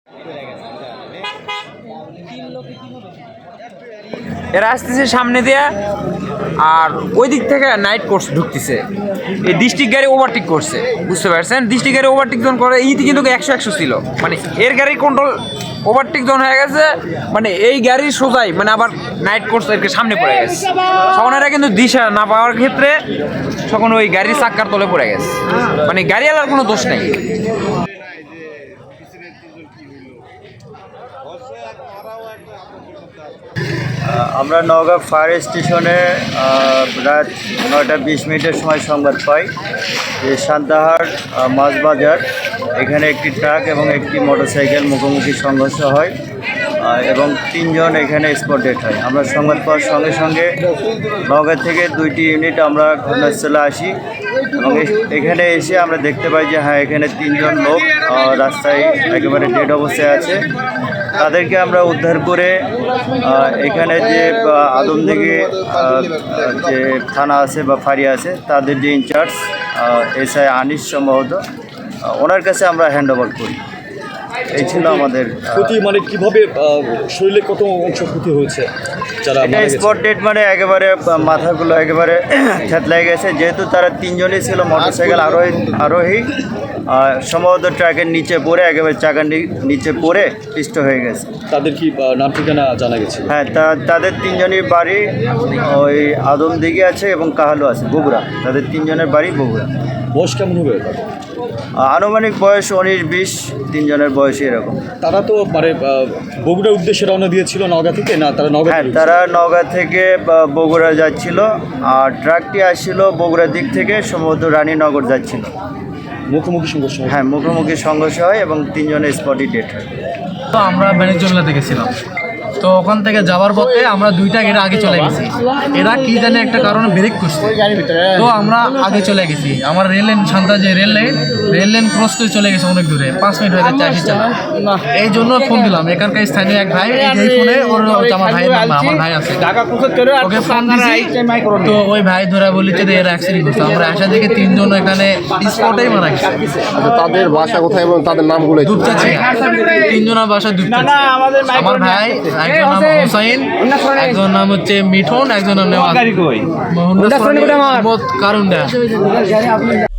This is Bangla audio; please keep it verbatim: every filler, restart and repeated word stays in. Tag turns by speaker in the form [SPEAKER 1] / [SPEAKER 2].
[SPEAKER 1] এরা আসতেছে সামনে দিয়ে, আর ওই দিক থেকে নাইট কোর্স ঢুকতেছে। এই ডিস্ট্রিক্ট গাড়ি ওভারটেক করছে, বুঝতে পারছেন? ডিস্ট্রিক্ট গাড়ি ওভারটেক যখন করে ইতি কিন্তু একশো একশো ছিল, মানে এর গাড়ির কন্ট্রোল ওভারটেক যখন হয়ে গেছে, মানে এই গাড়ির সোজাই মানে আবার নাইট কোর্স এর সামনে পড়ে গেছে। তখন এরা কিন্তু দিশা না পাওয়ার ক্ষেত্রে তখন ওই গাড়ির চাক্কার তলে পড়ে গেছে, মানে গাড়িওয়ালার কোনো দোষ নেই।
[SPEAKER 2] আমরা নওগাঁ ফায়ার স্টেশনে রাত নয়টা বিশ মিনিটের সময় সংবাদ পাই যে সান্তাহার মাছবাজার এখানে একটি ট্রাক এবং একটি মোটরসাইকেল মুখোমুখি সংঘর্ষ হয় এবং তিনজন এখানে স্পট ডেথ হয়। আমরা সংবাদ পাওয়ার সঙ্গে সঙ্গে নওগাঁ থেকে দুইটি ইউনিট আমরা ঘটনাস্থলে আসি এবং এখানে এসে আমরা দেখতে পাই যে হ্যাঁ এখানে তিনজন লোক রাস্তায় একেবারে ডেড অবস্থায় আছে। তাদেরকে আমরা উদ্ধার করে এখানে যে আদমদিঘি যে থানা আছে বা ফাঁড়ি আছে তাদের যে ইনচার্জ এস আই আনিস সম্ভবত ওনার কাছে আমরা হ্যান্ড ওভার করি। এই ছিল আমাদের
[SPEAKER 3] ক্ষতি। মানে কিভাবে শরীরে কত অংশ ক্ষতি হয়েছে? যারা
[SPEAKER 2] স্পট ডেড মানে একেবারে মাথাগুলো একেবারে থেতলাই গেছে, যেহেতু তারা তিনজনই ছিল মোটরসাইকেল আরোহী আরোহী সম্ভবত ট্রাকের নিচে পড়ে একেবারে চাকার নিচে পড়ে পিষ্ট হয়ে গেছে।
[SPEAKER 3] তাদের কি নাম ঠিকানা জানা গেছে?
[SPEAKER 2] হ্যাঁ, তা তাদের তিনজনই বাড়ি ওই আদমদিঘি আছে এবং কাহালু আছে বগুড়া। তাদের তিনজনের বাড়ি বগুড়া।
[SPEAKER 3] বয়স কেমন হবে?
[SPEAKER 2] আনুমানিক বয়স উনিশ বিশ, তিনজনের বয়সই এরকম।
[SPEAKER 3] তারা তো মানে বগুড়ার উদ্দেশ্যে রওনা দিয়েছিল নওগাঁ থেকে, না তারা নওগাঁ?
[SPEAKER 2] হ্যাঁ, তারা নওগাঁ থেকে বগুড়া যাচ্ছিল, আর ট্রাকটি আসছিল বগুড়ার দিক থেকে সম্ভবত রানীনগর যাচ্ছিল।
[SPEAKER 3] মুখোমুখি সংঘর্ষ?
[SPEAKER 2] হ্যাঁ, মুখোমুখি সংঘর্ষ হয় এবং তিনজনের স্পটই ডেথ হয়।
[SPEAKER 4] তো আমরা বাণিজ্যমেলা দেখেছিলাম, তো ওখান থেকে যাওয়ার পথে আমরা দুইটা গেটে আগে চলে গেছি। এরা কি জানে একটা কারণে ব্রেক করছে, তো আমরা আগে চলে গেছি। আমার রেল লাইন শান্তা যে rail line rail line cross করে চলে গেছে অনেক দূরে, পাঁচ মিনিট হয়ে যাচ্ছে আসি চালা। এই জন্য ফোন দিলাম এখানকার স্থানীয় এক ভাই, এই ফোনে ওর আমার ভাইয়ের নাম্বার, আমার ভাই আছে, ওকে ফোন দিছি। তো ওই ভাই ধরে বলেছে যে এরা অ্যাক্সিডেন্ট করছে। আমরা আসা দেখে তিনজন এখানে স্পটেই মারা গেছে।
[SPEAKER 5] তাদের বাসা কোথায় এবং তাদের নামগুলো?
[SPEAKER 4] দুপচাচি, তিনজনের বাসা দুপচাচি। আমার ভাই একজন নাম হোসাইন, একজন নাম হচ্ছে মিঠুন, একজন নাম নেওয়াজ, কারণ